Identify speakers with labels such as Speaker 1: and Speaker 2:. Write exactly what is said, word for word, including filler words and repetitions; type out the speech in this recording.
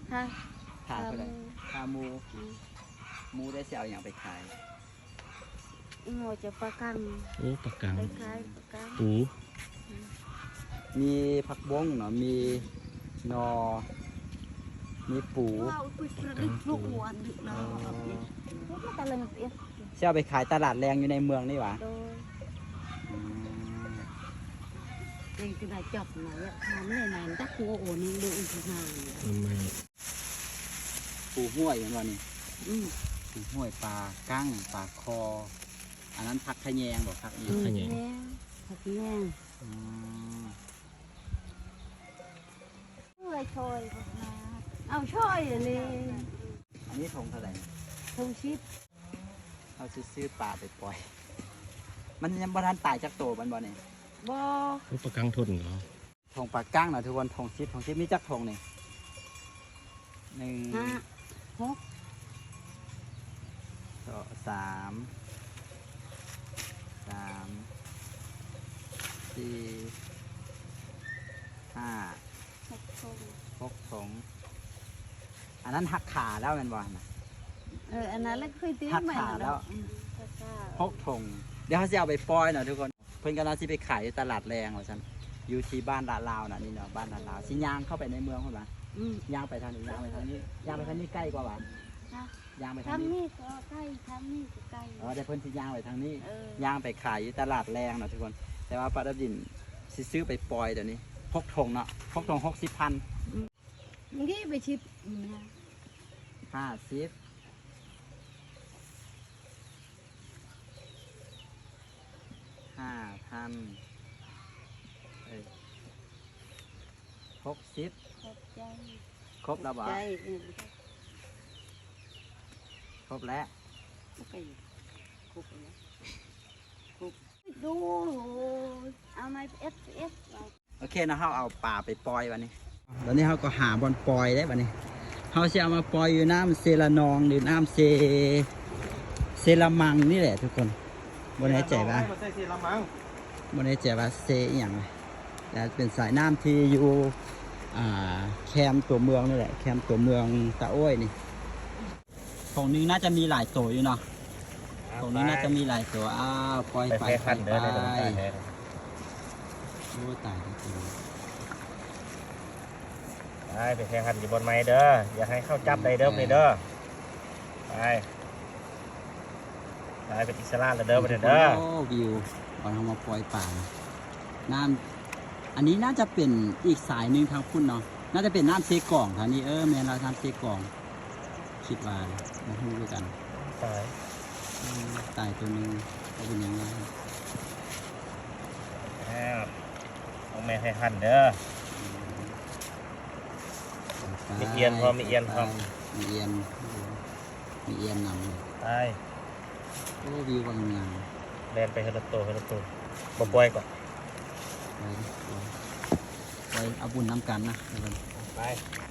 Speaker 1: ค่ะ
Speaker 2: ขาเท่าไหร่ขาหมูหมูได้เสียเอาอย่างไปขาย
Speaker 1: หมูจะปลากัง
Speaker 3: โอ้ปากกัง
Speaker 1: ได้ขายปลากัง
Speaker 3: ปู
Speaker 2: มีผักบ้งเนาะมีนอมีปู
Speaker 1: ว้าวคุยกระดึกลูกหวานดึกเนาะลูกตะลึงเอ๊ะ
Speaker 2: เสียเอาไปขายตลาดแรงอยู่ในเมืองนี่หวะ
Speaker 1: โดย
Speaker 2: อืม
Speaker 1: เองก็ได้จับมาเนี่ยทำเลยนานตักหัวโอ้นี่ดูอีกนาน
Speaker 3: ทำไม
Speaker 2: ปูห้วยอย่างว่านี่
Speaker 1: อืม
Speaker 2: ปูห้วยปลากั้งปลาคอ อันนั้นผักขะแยงบอกผักอีก
Speaker 1: แม่ผักแม่
Speaker 2: อืม
Speaker 1: ช่วยช่วยมาเอาช่วยเลย
Speaker 2: อันนี้ทงเท่าไหร่
Speaker 1: ทงชิด
Speaker 2: เอาซื้อปลาไปปล่อย มันยังบ่ทันตายจากโตมันบ่เนี่ย
Speaker 1: บอ
Speaker 3: โอ้ปากกังทนเหรอ
Speaker 2: ทงปลากั้งเนาะทุกคนทงชิดทงชิดมีจักทงนี่หนึ่ง
Speaker 1: ห้าหก
Speaker 2: สองสามสามสี่ห้า
Speaker 1: หกทง
Speaker 2: หกทงอันนั้นหักขาแล้วแมันบ่นะ
Speaker 1: เอออันนั้นแล้วเคยตี
Speaker 2: หัก
Speaker 1: ใหม่
Speaker 2: ขาแล้ว หกทงเดี๋ยวเขาจะเอาไปปล่อยเนาะทุกคนเพิ่นกำลังสิไปขายอยู่ตลาดแรงว่าซั่นอยู่ที่บ้านลาดลาวน่ะนี่เนาะบ้านลาดลาวสิย่างเข้าไปในเมืองพุ่นล่ะ
Speaker 1: อืม
Speaker 2: ย่างไปทางนี้ย่างไปทางนี้ย่างไปทางนี้ใกล้กว่าหวานย่างไปทาง
Speaker 1: ทำ
Speaker 2: นี้
Speaker 1: นี่ก็ใกล้ทำนี่ก็ใกล้
Speaker 2: อ๋อเดี๋ยวเพิ่นสิย่างไปทางนี้
Speaker 1: เออย่าง
Speaker 2: ไปขายอยู่ตลาดแรงเนาะทุกคน แต่ว่าปลาดับดินสิซื้อไปปล่อยเดี๋ยวนี้หกทงเนาะหกทงหกสิบพัน
Speaker 1: มึงที่ไปชิปนะ
Speaker 2: ห้าสิบห้าพันเอ้ยหกสิบ
Speaker 1: ขอบใจ
Speaker 2: ครบแล้วบ่
Speaker 1: ใจเออ
Speaker 2: ครบแล้ว
Speaker 1: โอเคครบแล้วครบดูเอาไม้เอสเอส
Speaker 2: โอเคนะเขาเอาปลาไปปล่อยวันนี้ตอนนี้เขาก็หาบอลปล่อยได้วันนี้เขาจะเอามาปล่อยอยู่น้ำเซลานองหรือน้ำเซเซลามังนี่แหละทุกคนบนไหนใจว่า
Speaker 3: ใช่สิละมัง
Speaker 2: บนไหนใจว่าเซอหย่างไรแต่เป็นสายน้ำที่อยู่อ่าแคมป์ตัวเมืองนี่แหละแคมป์ตัวเมืองตะโอ้ยนี่ของนึงน่าจะมีหลายตัวอยู่เนาะของนี้น่าจะมีหลายตัวอ้าวปล่อยไปไปไปโอ้ตายแล้วตัวนี้
Speaker 3: ไปไปแข่งขันอยู่บนไม้เด้ออย่าให้เข้าจับได้เด้อไปเด้อไปไปเป็นอิสระเลยเด้อไปเด้อ
Speaker 2: โอ้วิวตอนเรามาปล่อยป่าน้ำอันนี้น่าจะเป็นอีกสายหนึ่งทางพุ่นเนาะน่าจะเป็นน้ำเซกล่องทางนี้เออแม่เราทำเซกล่องคิดว่ามาพูดด้วยกัน
Speaker 3: ตาย
Speaker 2: อืมตายตัวหนึงก็เป็นยังไง
Speaker 3: ครับต้องแม่ให้ขันเด้อ มีเอียนพร้อมมีเอียนพร้อม
Speaker 2: มีเอียนมีเอียนนำเลย
Speaker 3: ตาย
Speaker 2: โอ้วิวบางงาม
Speaker 3: แลนไปเฮลโตเฮลโตบ่ปล่อยก่อน
Speaker 2: ไปไปไปเอาบุญน้ำกันนะทุกคน
Speaker 3: ไป